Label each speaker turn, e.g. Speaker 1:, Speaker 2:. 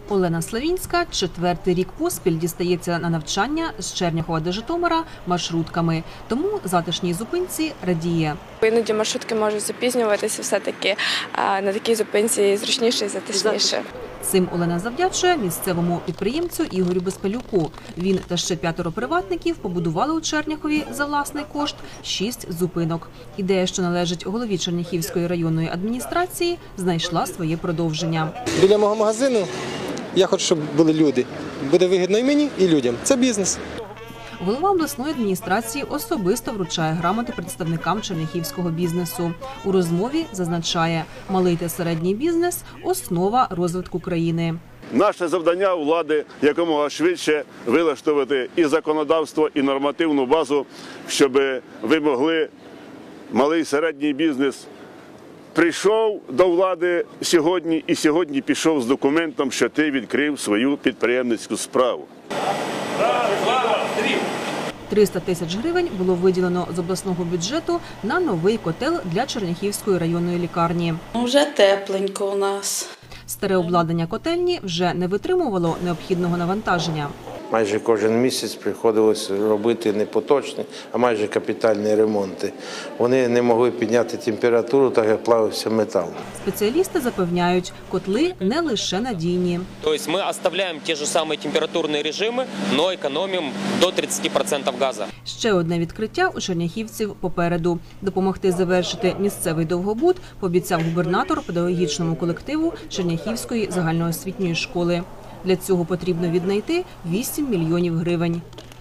Speaker 1: Олена Славінська 4-й рік поспіль дістається на навчання з Черняхова до Житомира маршрутками. Тому затишній зупинці радіє.
Speaker 2: Іноді маршрутки можуть запізнюватися, все-таки на такій зупинці зручніше і затишніше.
Speaker 1: Цим Олена завдячує місцевому підприємцю Ігорю Безпалюку. Він та ще 5 приватників побудували у Черняхові за власний кошт 6 зупинок. Ідея, що належить голові Черняхівської районної адміністрації, знайшла своє продовження.
Speaker 3: Біля мого магазину я хочу, щоб були люди. Буде вигідно і мені, і людям. Це бізнес.
Speaker 1: Голова обласної адміністрації особисто вручає грамоти представникам черняхівського бізнесу. У розмові зазначає, малий та середній бізнес – основа розвитку країни.
Speaker 4: Наше завдання у влади якомога швидше вилаштувати і законодавство, і нормативну базу, щоб ви могли, малий і середній бізнес, прийшов до влади сьогодні і сьогодні пішов з документом, що ти відкрив свою підприємницьку справу.
Speaker 1: 300 тисяч гривень було виділено з обласного бюджету на новий котел для Черняхівської районної лікарні.
Speaker 5: Вже тепленько у нас.
Speaker 1: Старе обладнання котельні вже не витримувало необхідного навантаження.
Speaker 6: Майже кожен місяць приходилось робити не поточні, а майже капітальні ремонти. Вони не могли підняти температуру, так як плавився метал.
Speaker 1: Спеціалісти запевняють, котли не лише надійні.
Speaker 7: Тобто ми залишаємо ті ж самі температурні режими, але економимо до 30% газу.
Speaker 1: Ще одне відкриття у черняхівців попереду. Допомогти завершити місцевий довгобуд пообіцяв губернатор педагогічному колективу Черняхівської загальноосвітньої школи. Для цього потрібно віднайти 8 мільйонів гривень.